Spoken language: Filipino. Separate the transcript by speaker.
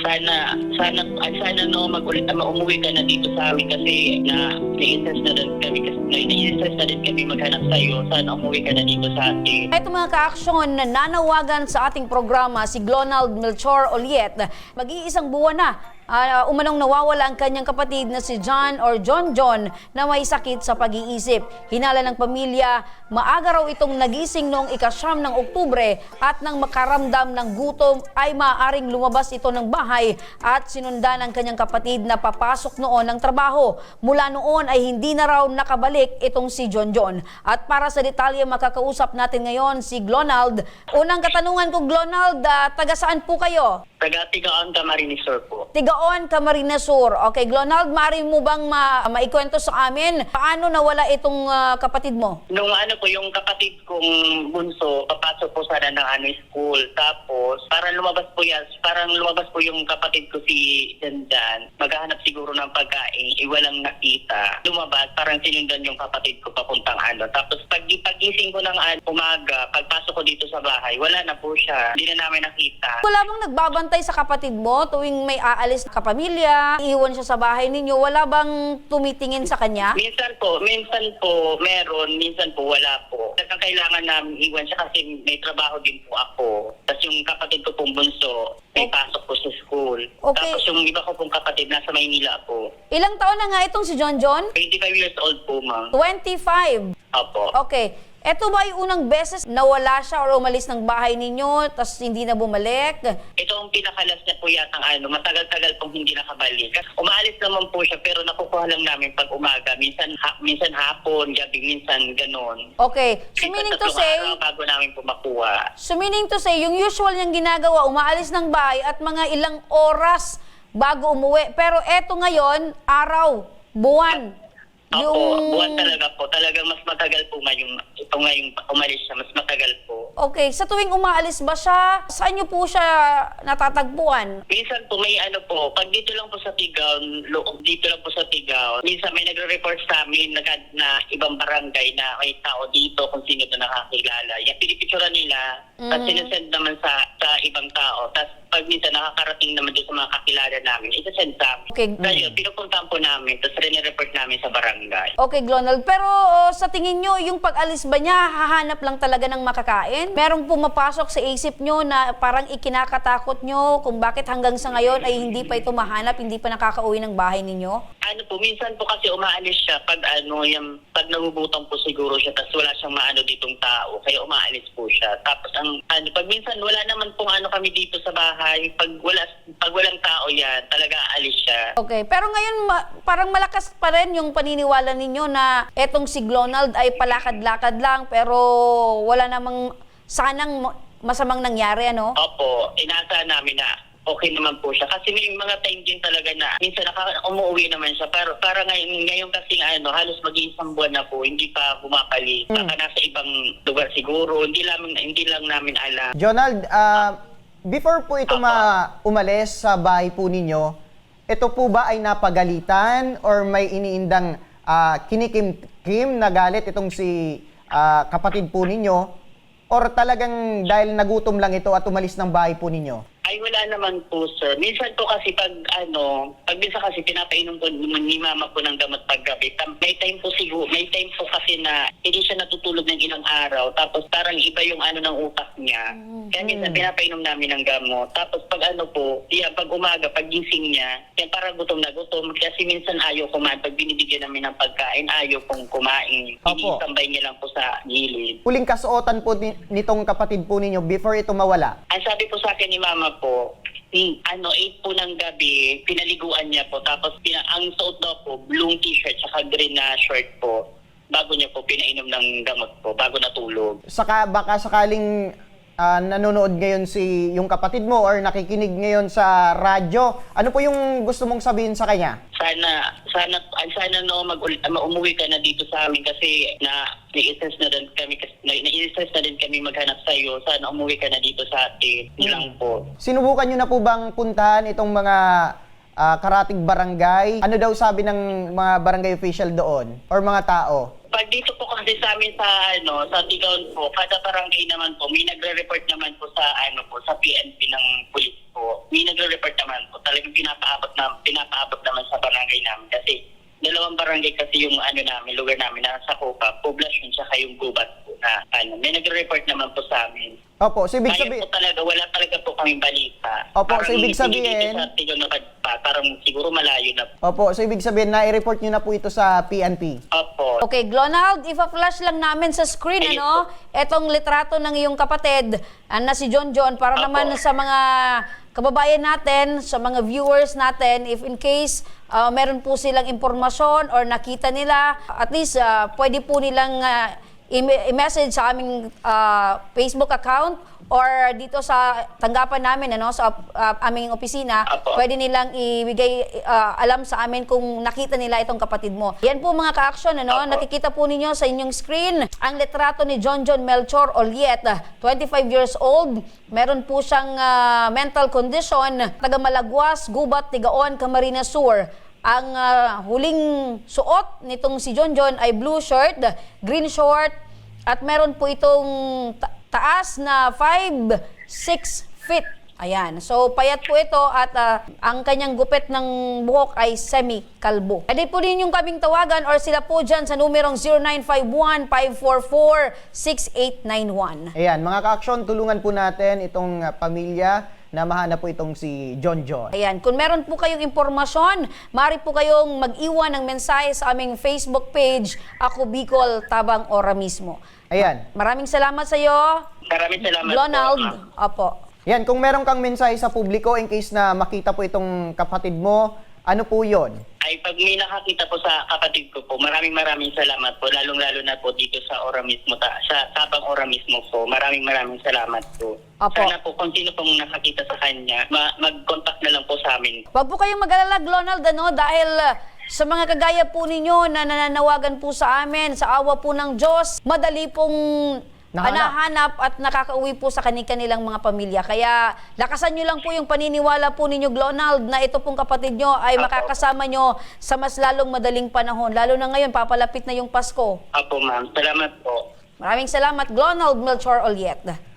Speaker 1: Sana no umuwi ka na dito sa amin kasi na-stress na din kami maghanap sa iyo. Sana umuwi ka na dito sa atin.
Speaker 2: Ito mga ka-aksyon, nanawagan sa ating programa si Glonald Melchor Oliet. Mag-iisang buwan na umanong nawawala ang kanyang kapatid na si John or John na may sakit sa pag-iisip. Hinala ng pamilya, maaga raw itong nagising noong ika-9 ng Oktubre at nang makaramdam ng gutom ay maaaring lumabas ito ng bahay at sinundan ng kanyang kapatid na papasok noon ng trabaho. Mula noon ay hindi na raw nakabalik itong si John. At para sa detalye makakausap natin ngayon si Glonald. Unang katanungan ko, Glonald, taga saan po kayo?
Speaker 1: Taga-Tigaon, Camarines Sur po.
Speaker 2: Tigaon, Camarines Sur. Okay, Glonald, maaari mo bang maikwento sa amin paano nawala itong kapatid mo?
Speaker 1: Nung yung kapatid kong bunso, papasok po sana ng school. Tapos, parang lumabas po yung kapatid ko si Dandan. Maghahanap siguro ng pagkain, walang nakita. Lumabas, parang sinundan yung kapatid ko papuntang Tapos, pagising ko ng umaga, pagpasok ko dito sa bahay, wala na po siya. Hindi na namin nakita.
Speaker 2: Wala bang nagbabantay sa kapatid mo tuwing may aalis na kapamilya, iiwan siya sa bahay ninyo? Wala bang tumitingin sa kanya?
Speaker 1: Minsan po meron, minsan po wala po. Kailangan namin iwan siya kasi may trabaho din po ako. Tapos yung kapatid ko pong bunso, may pasok po sa school.
Speaker 2: Okay.
Speaker 1: Tapos yung iba ko pong kapatid nasa Maynila po.
Speaker 2: Ilang taon na nga itong si John?
Speaker 1: 25 years old po, ma'am.
Speaker 2: 25.
Speaker 1: Opo.
Speaker 2: Okay. Ito ba yung unang beses nawala siya or umalis ng bahay ninyo tapos hindi na bumalik?
Speaker 1: Ito ang pinakalas niya po yatang matagal-tagal pong hindi nakabalik. Umaalis naman po siya pero nakukuha lang namin pag umaga. Minsan hapon, gabi, minsan ganon.
Speaker 2: Okay. So meaning to say,
Speaker 1: bago namin po makuha.
Speaker 2: So meaning to say, yung usual niyang ginagawa, umaalis ng bahay at mga ilang oras bago umuwi. Pero eto ngayon, araw, buwan.
Speaker 1: Opo, buwan talaga po. Talagang mas matagal po ngayong umalis siya. Mas matagal po.
Speaker 2: Okay, sa tuwing umaalis ba siya, saan niyo po siya natatagpuan?
Speaker 1: Minsan po may pag dito lang po sa Tigaon, minsan may nagre-report sa amin na ibang barangay na may tao dito kung sino ito nakakilala. Yung pinipicturan nila, at sinasend naman sa ibang tao. Tapos pag minsan nakakarating naman dito sa mga kakilala namin, isasend sa amin.
Speaker 2: Okay.
Speaker 1: Kaya pinupuntahan po namin, tapos rin-report namin sa barangay.
Speaker 2: Okay, Glonald. Pero sa tingin nyo, yung pag-alis ba niya, hahanap lang talaga ng makakain? Merong pumapasok sa isip nyo na parang ikinakatakot nyo kung bakit hanggang sa ngayon ay hindi pa ito mahanap, hindi pa nakakauwi ng bahay ninyo?
Speaker 1: Minsan po kasi umaalis siya pag pag nagubutang po siguro siya, tapos wala siyang ditong tao, kaya umaalis po siya. Tapos pag minsan wala naman pong kami dito sa bahay, pag walang tao yan, talaga aalis siya.
Speaker 2: Okay, pero ngayon parang malakas pa rin yung paniniwala ninyo na etong si Glonald ay palakad-lakad lang pero wala namang sanang masamang nangyari, ano?
Speaker 1: Opo, inaasahan namin na okay naman po siya. Kasi may mga time din talaga na minsan umuwi naman siya. Pero para ngayon kasi halos mag-iisang buwan na po, hindi pa bumabalik. Baka nasa ibang lugar siguro, hindi lang namin alam.
Speaker 3: Jonald, before po ito umalis sa bahay po ninyo, ito po ba ay napagalitan or may iniindang kinikim na galit itong si kapatid po ninyo? Or talagang dahil nagutom lang ito at umalis ng bahay po ninyo?
Speaker 1: Ay, wala naman po, sir. Minsan po kasi pag minsan kasi pinapainom po ni mama po ng gamot paggabi. May time po kasi na hindi siya natutulog ng ilang araw. Tapos parang iba yung ng utak niya. Kaya minsan pinapainom namin ng gamot. Tapos pag pag umaga, pag gising niya, yan parang gutom na gutom. Kasi minsan ayaw kumain. Pag binibigyan namin ng pagkain, ayaw pong kumain. Initambay niya lang po sa gilid.
Speaker 3: Huling kasuotan po nitong kapatid po ninyo before ito mawala?
Speaker 1: Ang sabi po sa akin ni mama po, 8 po ng gabi, pinaliguan niya po. Tapos ang suot daw po, blue t-shirt saka green na short po. Bago niya po pinainom ng gamot po, bago natulog.
Speaker 3: Baka sakaling nanonood ngayon yung kapatid mo or nakikinig ngayon sa radyo, ano po yung gusto mong sabihin sa kanya?
Speaker 1: Sana umuwi ka na dito sa amin kasi na-stress na din kami maghanap sa iyo. Sana umuwi ka na dito sa atin. Lang po.
Speaker 3: Sinubukan niyo na po bang puntahan itong mga karatig barangay? Ano daw sabi ng mga barangay official doon or mga tao?
Speaker 1: Pag dito po kasi sa amin sa Tigaon po, kada barangay naman po, may nagre-report naman po sa sa PNP ng pulis po. May nagre-report naman po. lugar namin na sa Copa, poblasyon sa yung gubat po na may nagre-report naman po sa amin.
Speaker 3: Opo, so ibig
Speaker 1: Kaya
Speaker 3: sabihin,
Speaker 1: po talaga, wala talaga po kaming balita.
Speaker 3: Opo,
Speaker 1: Parang
Speaker 3: so ibig
Speaker 1: hindi
Speaker 3: sabihin-
Speaker 1: dito sa Tigol na Kadpa, parang siguro malayo na po.
Speaker 3: opo, so ibig sabihin na-report nyo na po ito sa PNP.
Speaker 1: Opo.
Speaker 2: Okay, Glonald, ipa-flash lang namin sa screen,
Speaker 1: Ayun
Speaker 2: ano, etong litrato ng iyong kapatid na si John John para
Speaker 1: Apo.
Speaker 2: naman sa mga kababayan natin, sa mga viewers natin, if in case meron po silang impormasyon or nakita nila, at least pwede po nilang i-message sa aming Facebook account or dito sa tanggapan namin, ano, sa aming opisina.
Speaker 1: Apo.
Speaker 2: Pwede nilang ibigay alam sa amin kung nakita nila itong kapatid mo. Yan po mga ka-action, ano,
Speaker 1: Apo.
Speaker 2: nakikita po ninyo sa inyong screen ang litrato ni John John Melchor Oliet, 25 years old. Meron po siyang mental condition, taga Malagwas, Gubat, Tigaon, Camarines Sur. Ang huling suot nitong si John John ay blue shirt, green short, at meron po itong taas na 5'6" feet. Ayan. So, payat po ito at ang kanyang gupit ng buhok ay semi-kalbo. Pwede po rin yung kaming tawagan or sila po dyan sa numerong 0951-544-6891.
Speaker 3: Ayan, mga ka-action, tulungan po natin itong pamilya na mahanap po itong si John John.
Speaker 2: Ayan, kung meron po kayong impormasyon, maaari po kayong mag-iwan ng mensahe sa aming Facebook page, Ako Bicol, Tabang Ora mismo.
Speaker 3: Ayan.
Speaker 2: Maraming salamat sa iyo,
Speaker 1: Maraming salamat
Speaker 2: Glonald.
Speaker 1: po.
Speaker 2: Opo.
Speaker 3: Yan, kung meron kang mensahe sa publiko in case na makita po itong kapatid mo, ano po yon?
Speaker 1: Ay, pag may nakakita po sa kapatid ko po, maraming salamat po, lalong-lalo na po dito sa Ora mismo, sa Tabang Ora mismo po. Maraming salamat po.
Speaker 2: Opo.
Speaker 1: Sana po, kung sino pong nakakita sa kanya, mag-contact na lang po sa amin.
Speaker 2: Huwag po kayong mag-alala, Glonald, ano, dahil sa mga kagaya po ninyo na nananawagan po sa amin, sa awa po ng Diyos, madali pong nahanap at nakakauwi po sa kanilang mga pamilya. Kaya lakasan nyo lang po yung paniniwala po ninyo, Glonald, na ito pong kapatid nyo ay makakasama nyo sa mas lalong madaling panahon. Lalo na ngayon, papalapit na yung Pasko.
Speaker 1: Apo, ma'am. Salamat po.
Speaker 2: Maraming salamat, Glonald Melchor Oliet.